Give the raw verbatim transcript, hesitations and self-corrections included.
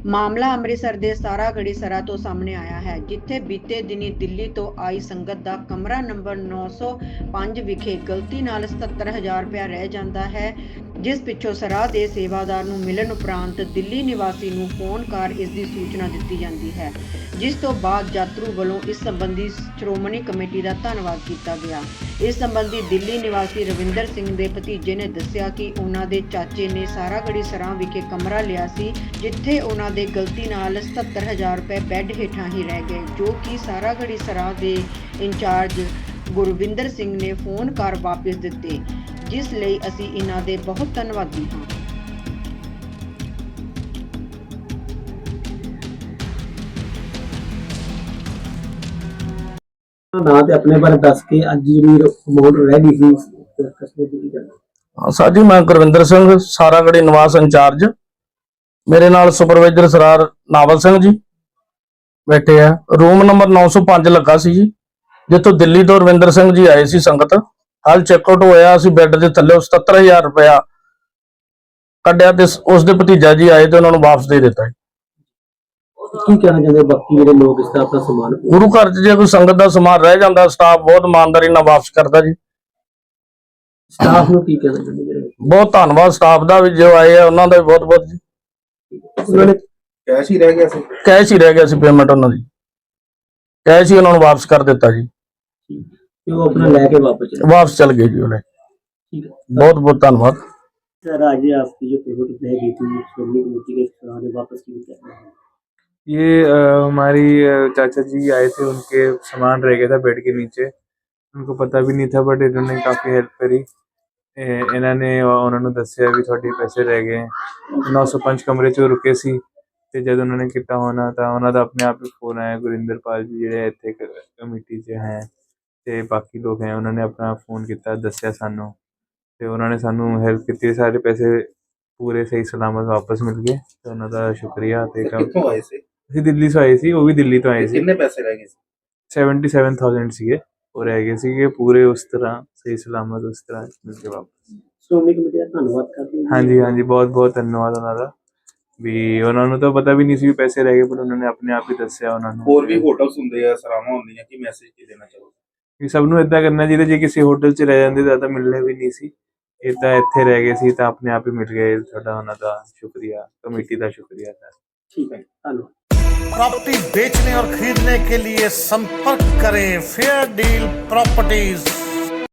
ਮਾਮਲਾ ਅੰਮ੍ਰਿਤਸਰ ਦੇ ਸਾਰਾਗੜ੍ਹੀ ਸਰਾ ਤੋਂ ਸਾਹਮਣੇ ਆਇਆ ਹੈ, ਜਿੱਥੇ ਬੀਤੇ ਦਿਨੀ ਦਿੱਲੀ ਤੋਂ ਆਈ ਸੰਗਤ ਦਾ ਕਮਰਾ ਨੰਬਰ ਨੌ ਸੌ ਪੰਜ ਵਿਖੇ ਗਲਤੀ ਨਾਲ ਸਤੱਤਰ ਹਜ਼ਾਰ ਰੁਪਇਆ ਰਹਿ ਜਾਂਦਾ ਹੈ, ਜਿਸ ਪਿੱਛੋਂ ਸਰਾਹ ਦੇ ਸੇਵਾਦਾਰ ਨੂੰ ਮਿਲਣ ਉਪਰੰਤ ਦਿੱਲੀ ਨਿਵਾਸੀ ਨੂੰ ਫੋਨ ਕਰ ਇਸ ਦੀ ਸੂਚਨਾ ਦਿੱਤੀ ਜਾਂਦੀ ਹੈ, ਜਿਸ ਤੋਂ ਬਾਅਦ ਯਾਤਰੂ ਵੱਲੋਂ ਇਸ ਸੰਬੰਧੀ ਸ਼੍ਰੋਮਣੀ ਕਮੇਟੀ ਦਾ ਧੰਨਵਾਦ ਕੀਤਾ ਗਿਆ। ਇਸ ਸੰਬੰਧੀ ਦਿੱਲੀ ਨਿਵਾਸੀ ਰਵਿੰਦਰ ਸਿੰਘ ਦੇ ਭਤੀਜੇ ਨੇ ਦੱਸਿਆ ਕਿ ਉਹਨਾਂ ਦੇ ਚਾਚੇ ਨੇ ਸਾਰਾਗੜ੍ਹੀ ਸਰਾ ਵਿਖੇ ਕਮਰਾ ਲਿਆ ਸੀ, ਜਿੱਥੇ ਉਹਨਾਂ ਦੇ ਗਲਤੀ ਨਾਲ ਸਤੱਤਰ ਹਜ਼ਾਰ ਰੁਪਏ ਬੈੱਡ ਹੇਠਾਂ ਹੀ ਰਹਿ ਗਏ, ਜੋ ਕਿ ਸਾਰਾਗੜ੍ਹੀ ਸਰਾ ਦੇ ਇੰਚਾਰਜ ਗੁਰਵਿੰਦਰ ਸਿੰਘ ਨੇ ਫੋਨ ਕਰ ਵਾਪਸ ਦਿੱਤੇ, ਜਿਸ ਲਈ ਅਸੀਂ ਇਹਨਾਂ ਦੇ ਬਹੁਤ ਧੰਨਵਾਦੀ ਹਾਂ। ਨਾ ਤੇ ਆਪਣੇ ਬਾਰੇ ਦੱਸ ਕੇ ਅੱਜ ਜਿਹੜੀ ਅਮਾਉਂਟ ਰਹਿ ਗਈ ਸੀ ਕਸਬੇ ਦੀ ਗੱਲ। ਹਾਂ ਸਰ ਜੀ, ਮੈਂ ਗੁਰਵਿੰਦਰ ਸਿੰਘ ਸਾਰਾਗੜ੍ਹੀ ਨਿਵਾਸ ਇੰਚਾਰਜ, ਮੇਰੇ ਨਾਲ ਸੁਪਰਵਾਈਜ਼ਰ ਸਰਾਰ ਨਾਵਲ ਸਿੰਘ ਜੀ ਬੈਠੇ ਆ। ਰੂਮ ਨੰਬਰ ਨੌ ਸੌ ਪੰਜ ਲੱਗਾ ਸੀ ਜੀ, ਜਿੱਥੋਂ ਦਿੱਲੀ ਤੋਂ ਰਵਿੰਦਰ ਸਿੰਘ ਜੀ ਆਏ ਸੀ ਸੰਗਤ। ਹਾਲ ਚੈੱਕਆਊਟ ਹੋਇਆ, ਅਸੀਂ ਬੈੱਡ ਦੇ ਥੱਲੇ ਸਤੱਤਰ ਹਜ਼ਾਰ ਰੁਪਇਆ ਕੱਢਿਆ ਤੇ ਉਸ ਦੇ ਭਤੀਜਾ ਜੀ ਆਏ ਤੇ ਉਹਨਾਂ ਨੂੰ ਵਾਪਸ ਦੇ ਦਿੱਤਾ। ਕੀ ਕਹਿਣਾ ਚਾਹੁੰਦੇ ਬਾਕੀ ਜਿਹੜੇ ਲੋਕ ਇਸ ਦਾ ਆਪਣਾ ਸਮਾਨ? ਗੁਰੂ ਘਰ 'ਚ ਜੇ ਕੋਈ ਸੰਗਤ ਦਾ ਸਮਾਨ ਰਹਿ ਜਾਂਦਾ, ਸਟਾਫ ਬਹੁਤ ਇਮਾਨਦਾਰੀ ਨਾਲ ਵਾਪਸ ਕਰਦਾ ਜੀ। ਸਟਾਫ ਨੂੰ ਕੀ ਕਹਿਣਾ ਚਾਹੁੰਦੇ? ਬਹੁਤ ਧੰਨਵਾਦ ਸਟਾਫ ਦਾ ਵੀ, ਜੋ ਆਏ ਆ ਉਹਨਾਂ ਦਾ ਵੀ ਬਹੁਤ ਬਹੁਤ ਜੀ। ਉਹਨਾਂ ਨੇ ਕੈਸ਼ ਹੀ ਰਹਿ ਗਿਆ ਸੀ ਕੈਸ਼ ਹੀ ਰਹਿ ਗਿਆ ਸੀ, ਪੇਮੈਂਟ ਉਹਨਾਂ ਦੀ ਕੈਸ਼ ਹੀ ਉਹਨਾਂ ਨੂੰ ਵਾਪਸ ਕਰ ਦਿੱਤਾ ਜੀ। ਤੇ ਉਹ ਆਪਣਾ ਲੈ ਕੇ ਵਾਪਸ ਚਲੇ ਵਾਪਸ चल गए जी उन्हें। ठीक है, बहुत बहुत धन्यवाद सर। आज आपकी जो पेमेंट रह गई थी श्रोमणी कमेटी के सराहने वापस की क्या? ये आ, हमारी चाचा जी आए थे, उनके सामान रह गया था बेड के नीचे, उनको पता भी नहीं था, बट इन्होंने काफ़ी हेल्प करी। इन्होंने उन्होंने दसिया भी थोड़े पैसे रह गए। नौ सौ पंज कमरे च रुके सी ते जब उन्होंने किता होना तो उन्होंने अपने आप ही फोन आया, गुरिंदर पाल जी ਜਿਹੜੇ ਇੱਥੇ कमेटी च हैं ਤੇ ਬਾਕੀ ਲੋਕ हैं, उन्होंने अपना फोन किया, दसिया सानू ਤੇ ਉਹਨਾਂ ਨੇ ਸਾਨੂੰ ਹੈਲਪ ਕੀਤੀ। ਸਾਰੇ ਪੈਸੇ ਪੂਰੇ ਸਹੀ ਸਲਾਮਤ ਵਾਪਸ ਮਿਲ ਗਏ ਤੇ ਉਹਨਾਂ ਦਾ ਸ਼ੁਕਰੀਆ। ਤੇ ਕਿੱਥੋਂ ਆਏ ਸੀ? ਅਸੀਂ ਦਿੱਲੀ ਤੋਂ ਆਏ ਸੀ, ਉਹ ਵੀ ਦਿੱਲੀ ਤੋਂ ਆਏ ਸੀ। ਕਿੰਨੇ ਪੈਸੇ ਰਹਿ ਗਏ ਸੀ? सतहत्तर हज़ार ਸੀਗੇ, ਉਹ ਰਹਿ ਗਏ ਸੀਗੇ ਪੂਰੇ ਉਸ ਤਰ੍ਹਾਂ ਸਹੀ ਸਲਾਮਤ ਉਸ ਤਰ੍ਹਾਂ ਮਿਲ ਕੇ ਵਾਪਸ। श्रोमणी कमेटी का धन्यवाद करते हैं। ਹਾਂਜੀ ਹਾਂਜੀ, ਬਹੁਤ ਬਹੁਤ ਧੰਨਵਾਦ ਉਹਨਾਂ ਦਾ ਵੀ। ਉਹਨਾਂ ਨੂੰ ਤਾਂ ਪਤਾ ਵੀ ਨਹੀਂ ਸੀ ਵੀ ਪੈਸੇ ਰਹਿ ਗਏ, ਪਰ ਉਹਨਾਂ ਨੇ ਆਪਣੇ ਆਪ ਹੀ ਦੱਸਿਆ ਉਹਨਾਂ ਨੂੰ। ਹੋਰ ਵੀ ਹੋਟਲਸ ਹੁੰਦੇ ਆ, ਸਰਾਵਾਂ ਹੁੰਦੀਆਂ, ਕੀ ਮੈਸੇਜ ਕੀ ਦੇਣਾ ਚਾਹੋਗੇ? ਵੀ ਸਭ ਨੂੰ ਇਦਾਂ ਕਰਨਾ ਚਾਹੀਦਾ, ਜੇ ਕਿਸੇ ਹੋਟਲ 'ਚ ਰਹਿ ਜਾਂਦੇ ਤਾਂ ਤਾਂ ਮਿਲਣੇ ਵੀ ਨਹੀਂ ਸੀ, ਇਹ ਤਾਂ ਇੱਥੇ ਰਹਿ ਗਏ ਸੀ ਤਾਂ ਆਪਣੇ ਆਪ ਹੀ ਮਿਲ ਗਏ। ਤੁਹਾਡਾ ਉਹਨਾਂ ਦਾ ਸ਼ੁਕਰੀਆ, ਕਮੇਟੀ ਦਾ ਸ਼ੁਕਰੀਆ ਸਰ। ठीक है, धन्यवाद। प्रॉपर्टी बेचने और खरीदने के लिए संपर्क करें फेयर डील प्रॉपर्टीज।